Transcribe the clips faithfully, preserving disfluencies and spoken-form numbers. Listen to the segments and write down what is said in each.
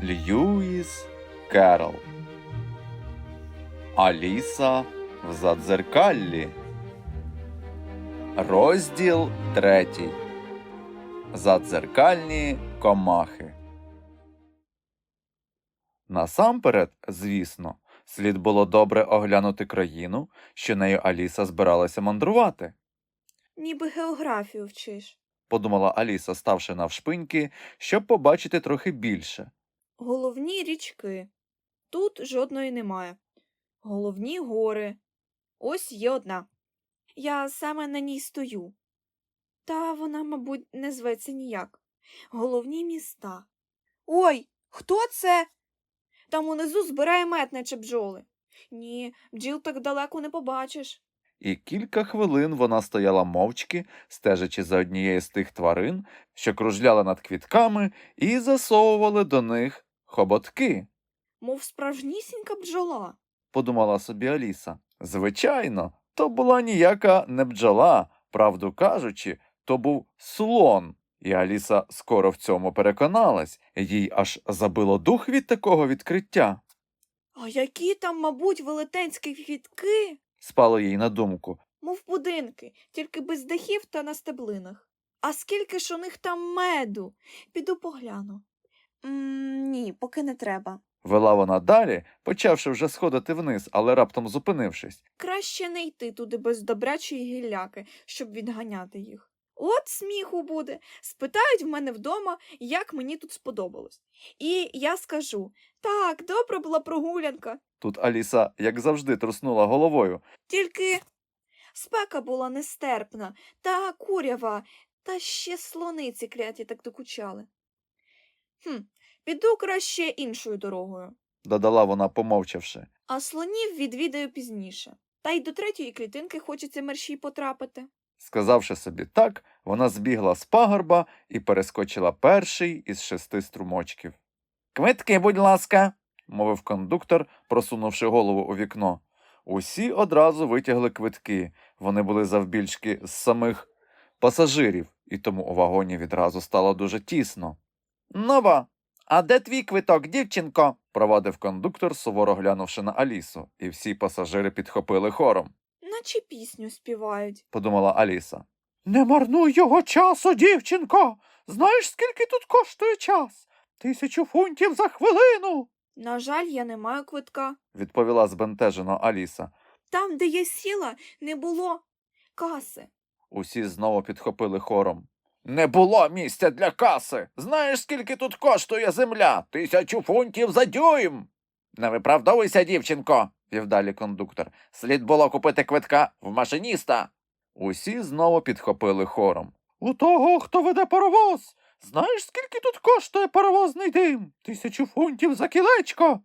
Льюіс Керрол. Аліса в задзеркаллі. Розділ третій. Задзеркальні комахи. Насамперед, звісно, слід було добре оглянути країну, що нею Аліса збиралася мандрувати. Ніби географію вчиш. Подумала Аліса, ставши навшпиньки, щоб побачити трохи більше. Головні річки. Тут жодної немає. Головні гори. Ось є одна. Я саме на ній стою. Та вона, мабуть, не зветься ніяк. Головні міста. Ой, хто це? Там унизу збирає мед, наче бджоли. Ні, бджіл так далеко не побачиш. І кілька хвилин вона стояла мовчки, стежачи за однією з тих тварин, що кружляли над квітками і засовували до них хоботки. Мов справжнісінька бджола. Подумала собі Аліса. Звичайно, то була ніяка не бджола, правду кажучи, то був слон. І Аліса скоро в цьому переконалась, їй аж забило дух від такого відкриття. А які там, мабуть, велетенські квітки? Спало їй на думку. Мов будинки, тільки без дахів та на стеблинах. А скільки ж у них там меду? Піду погляну. М, ні, поки не треба. Вела вона далі, почавши вже сходити вниз, але раптом зупинившись. Краще не йти туди без добрячої гілляки, щоб відганяти їх. От сміху буде. Спитають в мене вдома, як мені тут сподобалось. І я скажу, так, добра була прогулянка. Тут Аліса, як завжди, труснула головою. Тільки спека була нестерпна, та курява, та ще слониці кляті так докучали. Хм, піду краще іншою дорогою. Додала вона, помовчавши. А слонів відвідаю пізніше. Та й до третьої клітинки хочеться мерщій потрапити. Сказавши собі так, вона збігла з пагорба і перескочила перший із шести струмочків. «Квитки, будь ласка!» – мовив кондуктор, просунувши голову у вікно. Усі одразу витягли квитки. Вони були завбільшки з самих пасажирів, і тому у вагоні відразу стало дуже тісно. «Нова! А де твій квиток, дівчинко?» – провадив кондуктор, суворо глянувши на Алісу, і всі пасажири підхопили хором. Наче пісню співають. Подумала Аліса. «Не марнуй його часу, дівчинко! Знаєш, скільки тут коштує час? Тисячу фунтів за хвилину!» На жаль, я не маю квитка. Відповіла збентежено Аліса. Там, де я сіла, не було каси. Усі знову підхопили хором. «Не було місця для каси! Знаєш, скільки тут коштує земля? Тисячу фунтів за дюйм!» «Не виправдовуйся, дівчинко!» – вів далі кондуктор. «Слід було купити квитка в машиніста!» Усі знову підхопили хором. «У того, хто веде паровоз! Знаєш, скільки тут коштує паровозний дим? Тисячу фунтів за кілечко!»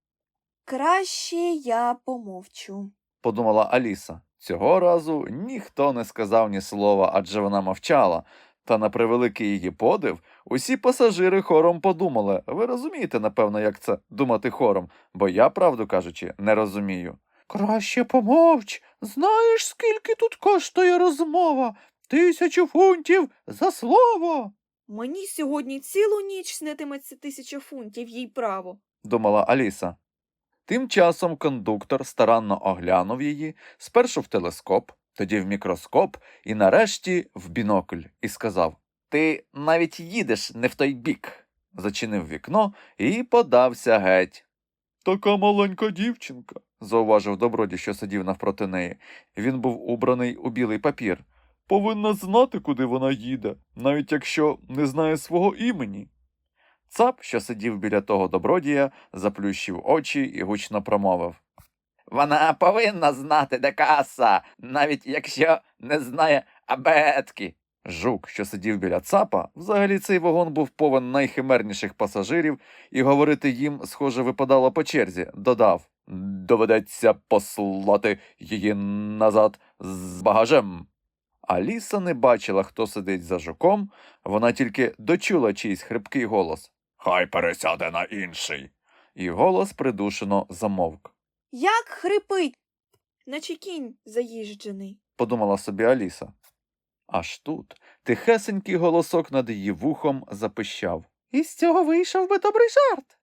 Краще я помовчу. Подумала Аліса. Цього разу ніхто не сказав ні слова, адже вона мовчала. Та на превеликий її подив, усі пасажири хором подумали. Ви розумієте, напевно, як це думати хором, бо я, правду кажучи, не розумію. «Краще помовч! Знаєш, скільки тут коштує розмова? Тисячу фунтів за слово!» Мені сьогодні цілу ніч снитиметься тисяча фунтів, їй право. Думала Аліса. Тим часом кондуктор старанно оглянув її, спершу в телескоп, тоді в мікроскоп і нарешті в бінокль, і сказав: «Ти навіть їдеш не в той бік», зачинив вікно і подався геть. «Така маленька дівчинка», зауважив добродій, що сидів навпроти неї. Він був убраний у білий папір. «Повинна знати, куди вона їде, навіть якщо не знає свого імені». Цап, що сидів біля того добродія, заплющив очі і гучно промовив: «Вона повинна знати, де каса, навіть якщо не знає абетки». Жук, що сидів біля цапа, взагалі цей вагон був повен найхимерніших пасажирів, і говорити їм, схоже, випадало по черзі, додав: «Доведеться послати її назад з багажем». Аліса не бачила, хто сидить за жуком, вона тільки дочула чийсь хрипкий голос: «Хай пересяде на інший». І голос придушено замовк. Як хрипить, наче кінь заїжджений. Подумала собі Аліса. Аж тут тихесенький голосок над її вухом запищав: «Із цього вийшов би добрий жарт.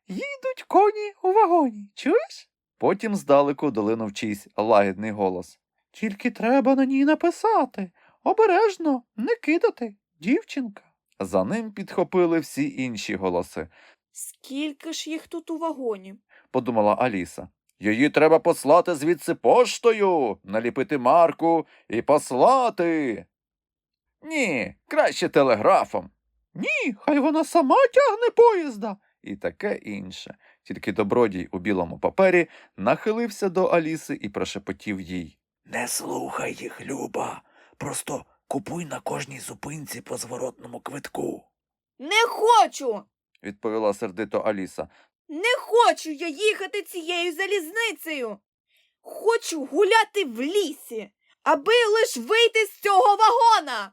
Їдуть коні у вагоні, чуєш? Потім здалеку долинув чийсь лагідний голос. Тільки треба на ній написати. Обережно, не кидати, дівчинка. За ним підхопили всі інші голоси. Скільки ж їх тут у вагоні? Подумала Аліса. Її треба послати звідси поштою, наліпити марку і послати. Ні, краще телеграфом. Ні, хай вона сама тягне поїзда. І таке інше. Тільки добродій у білому папері нахилився до Аліси і прошепотів їй. Не слухай їх, Люба. Просто купуй на кожній зупинці по зворотному квитку, Не хочу! відповіла сердито Аліса. Не хочу я їхати цією залізницею. Хочу гуляти в лісі, аби лиш вийти з цього вагона.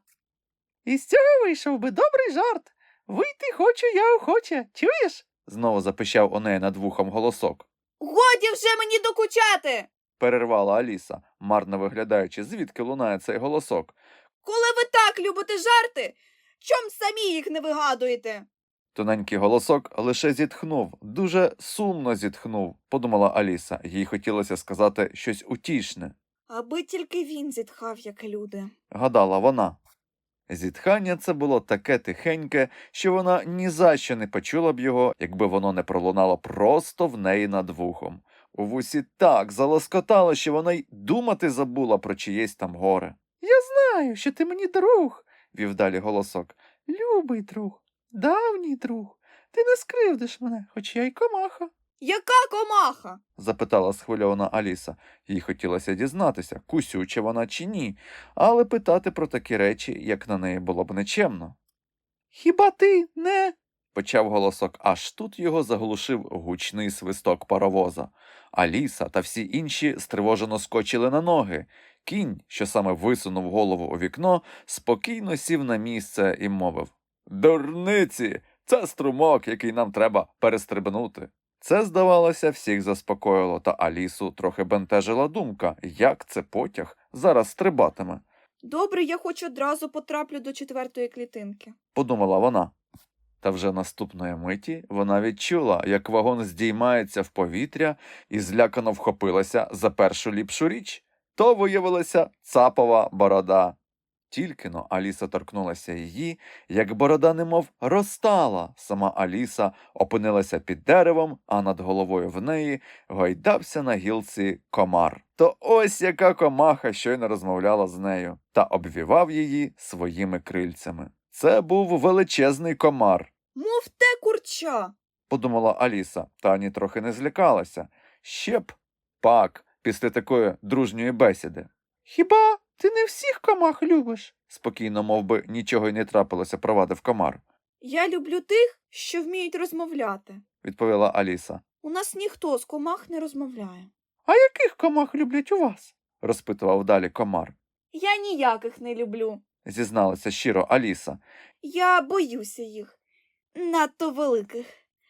Із цього вийшов би добрий жарт. Вийти хочу я охоче, чуєш? Знову запищав у неї над вухом голосок. Годі вже мені докучати. Перервала Аліса, марно виглядаючи, звідки лунає цей голосок. Коли ви так любите жарти, чом самі їх не вигадуєте? Тоненький голосок лише зітхнув, дуже сумно зітхнув, подумала Аліса. Їй хотілося сказати щось утішне. Аби тільки він зітхав, як люди. Гадала вона. Зітхання це було таке тихеньке, що вона ні за що не почула б його, якби воно не пролунало просто в неї над вухом. У вусі так залоскотало, що вона й думати забула про чиєсь там горе. «Я знаю, що ти мені друг», – вів далі голосок. «Любий друг, давній друг. Ти не скривдиш мене, хоч я й комаха». Яка комаха? Запитала схвильована Аліса. Їй хотілося дізнатися, кусюча вона чи ні, але питати про такі речі, як на неї, було б нечемно. «Хіба ти не...» – почав голосок, аж тут його заглушив гучний свисток паровоза. Аліса та всі інші стривожено скочили на ноги. Кінь, що саме висунув голову у вікно, спокійно сів на місце і мовив: «Дурниці! Це струмок, який нам треба перестрибнути». Це, здавалося, всіх заспокоїло, та Алісу трохи бентежила думка, як це потяг зараз стрибатиме. Добре, я хоч одразу потраплю до четвертої клітинки. Подумала вона. Та вже наступної миті вона відчула, як вагон здіймається в повітря і злякано вхопилася за першу ліпшу річ. То виявилася цапова борода. Тільки-но Аліса торкнулася її, як борода немов розтала. Сама Аліса опинилася під деревом, а над головою в неї гойдався на гілці комар. То ось яка комаха щойно розмовляла з нею та обвівав її своїми крильцями. Це був величезний комар, Мов те курча. подумала Аліса, та ані трохи не злякалася. Ще б пак після такої дружньої бесіди. «Хіба ти не всіх комах любиш?» – спокійно, мов би нічого й не трапилося, провадив комар. Я люблю тих, що вміють розмовляти. Відповіла Аліса. У нас ніхто з комах не розмовляє. «А яких комах люблять у вас?» – розпитував далі комар. Я ніяких не люблю. Зізналася щиро Аліса. Я боюся їх. Надто великих.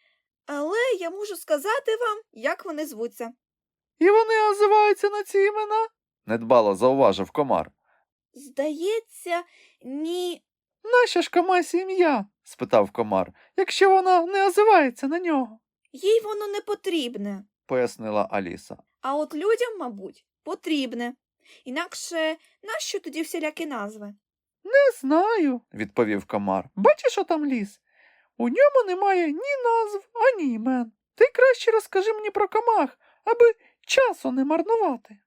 Але я можу сказати вам, як вони звуться. «І вони озиваються на ці імена?» – недбало зауважив комар. Здається, ні. «Нащо ж комасі ім'я?» – спитав комар, – якщо вона не озивається на нього. Їй воно не потрібне. Пояснила Аліса. А от людям, мабуть, потрібне. Інакше нащо тоді всілякі назви? «Не знаю», – відповів комар. «Бачиш, що там ліс? У ньому немає ні назв, ані імен. Ти краще розкажи мені про комах, аби часу не марнувати».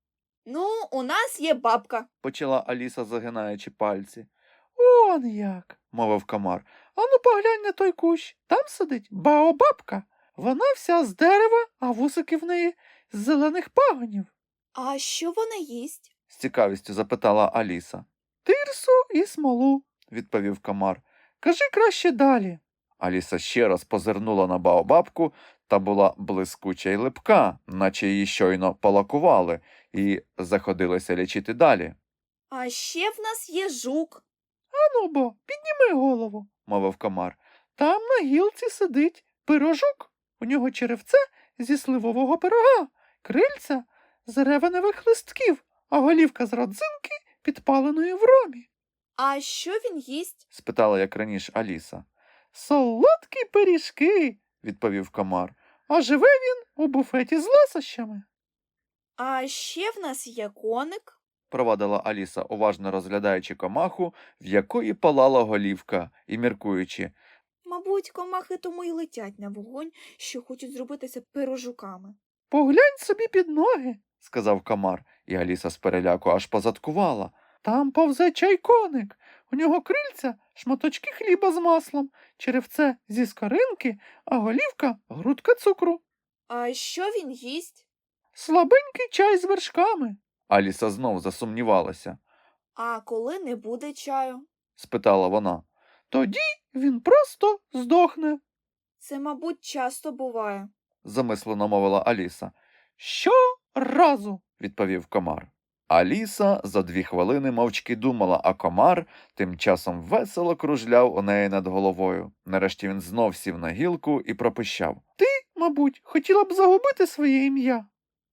Ну, у нас є бабка. Почала Аліса, загинаючи пальці. «Он як», – мовив комар. «Ану поглянь на той кущ. Там сидить баобабка. Вона вся з дерева, а вусики в неї з зелених пагонів». А що вона їсть? З цікавістю запитала Аліса. «Тирсу і смолу», – відповів комар. «Кажи краще далі». Аліса ще раз позирнула на баобабку, та була блискуча й липка, наче її щойно полакували, і заходилася лічити далі. А ще в нас є жук. «Ану бо, підніми голову», – мовив комар. «Там на гілці сидить пирожук. У нього черевце зі сливового пирога, крильця з ревеневих листків, а голівка з родзинки підпаленої в ромі». А що він їсть? – спитала як раніше Аліса. «Солодкі пиріжки», відповів комар. А живе він у буфеті з ласощами. А ще в нас є коник. Провадила Аліса, уважно розглядаючи комаху, в якої палала голівка, і міркуючи. Мабуть, комахи тому й летять на вогонь, що хочуть зробитися пирожуками. Поглянь собі під ноги, сказав комар, і Аліса з переляку аж позадкувала. Там повзе чайконик. У нього крильця шматочки хліба з маслом, черевце зі скоринки, а голівка грудка цукру. А що він їсть? Слабенький чай з вершками. Аліса знов засумнівалася. А коли не буде чаю? Спитала вона. Тоді він просто здохне, Це, мабуть, часто буває. замислено мовила Аліса. Щоразу, відповів комар. Аліса за дві хвилини мовчки думала, а комар тим часом весело кружляв у неї над головою. Нарешті він знов сів на гілку і пропищав. Ти, мабуть, хотіла б загубити своє ім'я?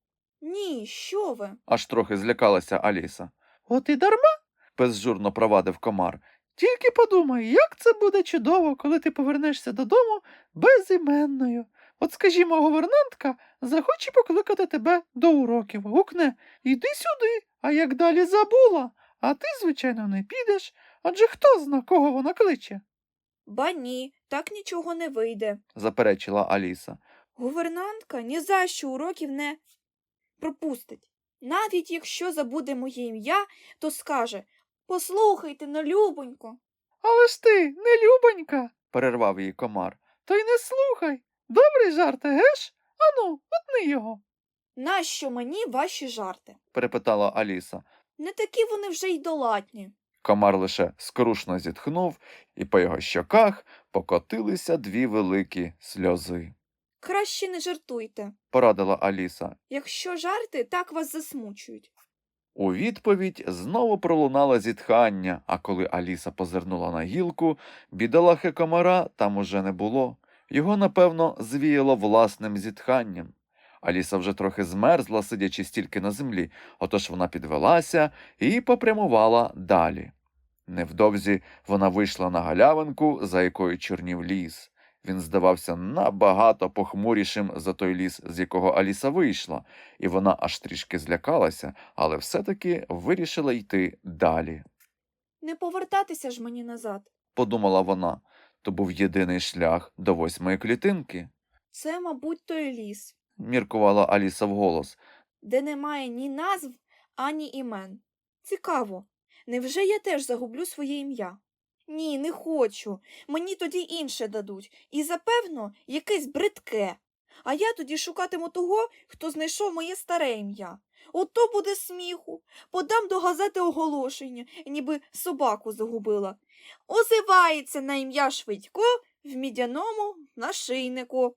Ні, що ви? Аж трохи злякалася Аліса. От і дарма, безжурно провадив комар. Тільки подумай, як це буде чудово, коли ти повернешся додому безіменною. От, скажімо, гувернантка захоче покликати тебе до уроків, гукне «Іди сюди», а як далі забула, а ти, звичайно, не підеш, адже хто зна, кого вона кличе, Ба ні, так нічого не вийде. заперечила Аліса. Гувернантка ні за що уроків не пропустить. Навіть якщо забуде моє ім'я, то скаже «Послухайте, ну, любонько». Але ж ти, не любонька, перервав її комар. То й не слухай. Добрий жарт, геш? Ану, утни його, Нащо мені ваші жарти? перепитала Аліса. Не такі вони вже й доладні. Комар лише скрушно зітхнув, і по його щоках покотилися дві великі сльози. Краще не жартуйте. Порадила Аліса. Якщо жарти, так вас засмучують. У відповідь знову пролунало зітхання, а коли Аліса позирнула на гілку, бідолахи комара там уже не було. Його, напевно, звіяло власним зітханням. Аліса вже трохи змерзла, сидячи стільки на землі, отож вона підвелася і попрямувала далі. Невдовзі вона вийшла на галявинку, за якою чорнів ліс. Він здавався набагато похмурішим за той ліс, з якого Аліса вийшла, і вона аж трішки злякалася, але все-таки вирішила йти далі. Не повертатися ж мені назад. Подумала вона, то був єдиний шлях до восьмої клітинки. Це, мабуть, той ліс, Міркувала Аліса вголос. де немає ні назв, ані імен. Цікаво, невже я теж загублю своє ім'я? Ні, не хочу. Мені тоді інше дадуть. І, запевно, якесь бридке. А я тоді шукатиму того, хто знайшов моє старе ім'я. Ото буде сміху. Подам до газети оголошення, ніби собаку загубила. Озивається на ім'я Швидько в мідяному нашийнику.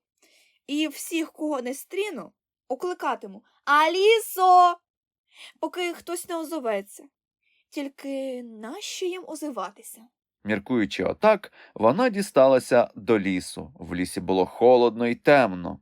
І всіх, кого не стріну, окликатиму «Алісо!», поки хтось не озоветься. Тільки нащо їм озиватися? Міркуючи отак, вона дісталася до лісу. В лісі було холодно і темно,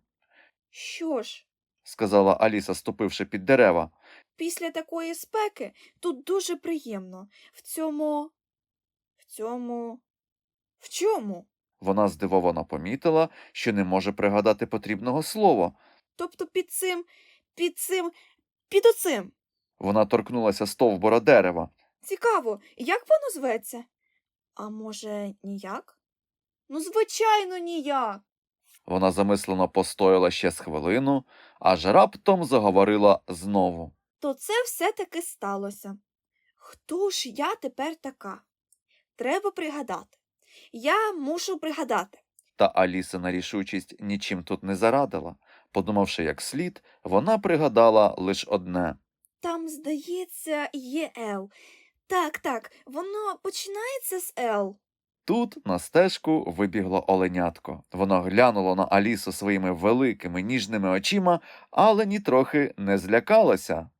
Що ж, сказала Аліса, ступивши під дерева. після такої спеки тут дуже приємно. В цьому... В цьому... В чому? Вона здивовано помітила, що не може пригадати потрібного слова. Тобто під цим, під цим, під оцим. Вона торкнулася стовбура дерева. Цікаво, як воно зветься? А може, ніяк? Ну, звичайно, ніяк. Вона замислено постояла ще з хвилину, аж раптом заговорила знову. То це все-таки сталося. Хто ж я тепер така? Треба пригадати. Я мушу пригадати. Та Алісина рішучість нічим тут не зарадила. Подумавши як слід, вона пригадала лише одне. Там, здається, є Л. Так, так, воно починається з Л. Тут на стежку вибігло оленятко. Воно глянуло на Алісу своїми великими ніжними очима, але нітрохи не злякалося.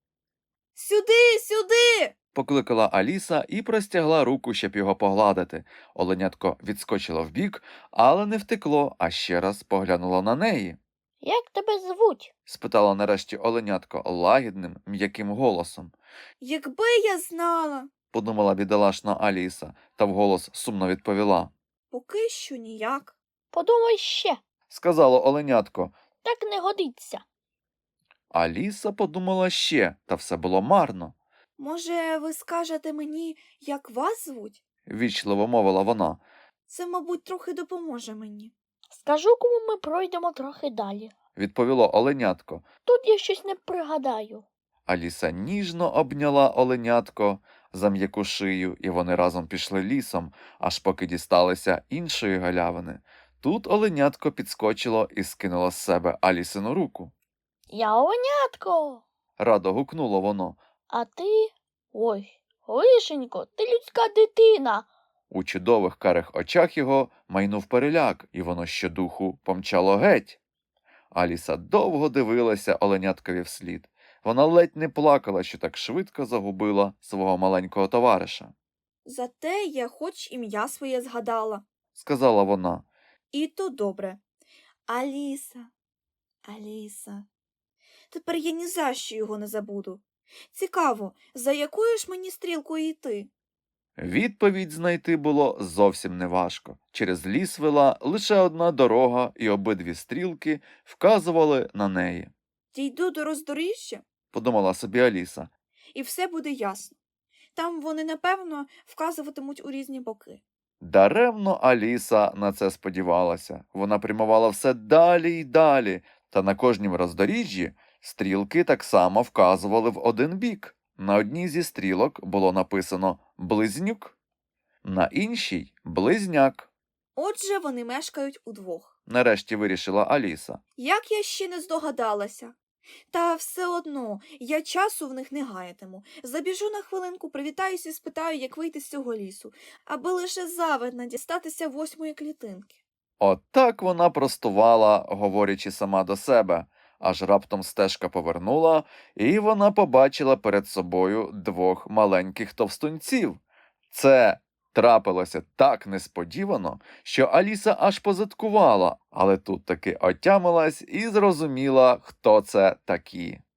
Сюди, сюди! Покликала Аліса і простягла руку, щоб його погладити. Оленятко відскочило вбік, але не втекло, а ще раз поглянуло на неї. Як тебе звуть? Спитала нарешті оленятко лагідним, м'яким голосом. Якби я знала. Подумала бідолашна Аліса, та вголос сумно відповіла. Поки що ніяк. Подумай ще. сказало оленятко. Так не годиться. Аліса подумала ще, та все було марно. Може, ви скажете мені, як вас звуть? Вічливо мовила вона. Це, мабуть, трохи допоможе мені. Скажу, кому ми пройдемо трохи далі. Відповіло оленятко. Тут я щось не пригадаю. Аліса ніжно обняла оленятко за м'яку шию, і вони разом пішли лісом, аж поки дісталися іншої галявини. Тут оленятко підскочило і скинуло з себе Алісину руку. Я оленятко. Радо гукнуло воно. А ти? Ой, лишенько, ти людська дитина. У чудових карих очах його майнув переляк, і воно щодуху помчало геть. Аліса довго дивилася оленяткові вслід. Вона ледь не плакала, що так швидко загубила свого маленького товариша. Зате я хоч ім'я своє згадала. Сказала вона. І то добре. Аліса, Аліса. Тепер я ні за що його не забуду. Цікаво, за якою ж мені стрілкою йти? Відповідь знайти було зовсім неважко. Через ліс вела лише одна дорога, і обидві стрілки вказували на неї. Дійду до роздоріжжя, Подумала собі Аліса. і все буде ясно. Там вони, напевно, вказуватимуть у різні боки. Даремно Аліса на це сподівалася. Вона прямувала все далі й далі, та на кожнім роздоріжжі стрілки так само вказували в один бік. На одній зі стрілок було написано «близнюк», на іншій «близняк». Отже, вони мешкають удвох. Нарешті вирішила Аліса. Як я ще не здогадалася. Та все одно, я часу в них не гаятиму. Забіжу на хвилинку, привітаюся і спитаю, як вийти з цього лісу, аби лише завидно дістатися восьмої клітинки. Отак вона простувала, говорячи сама до себе, аж раптом стежка повернула, і вона побачила перед собою двох маленьких товстунців. Це трапилося так несподівано, що Аліса аж позадкувала, але тут таки отямилась і зрозуміла, хто це такі.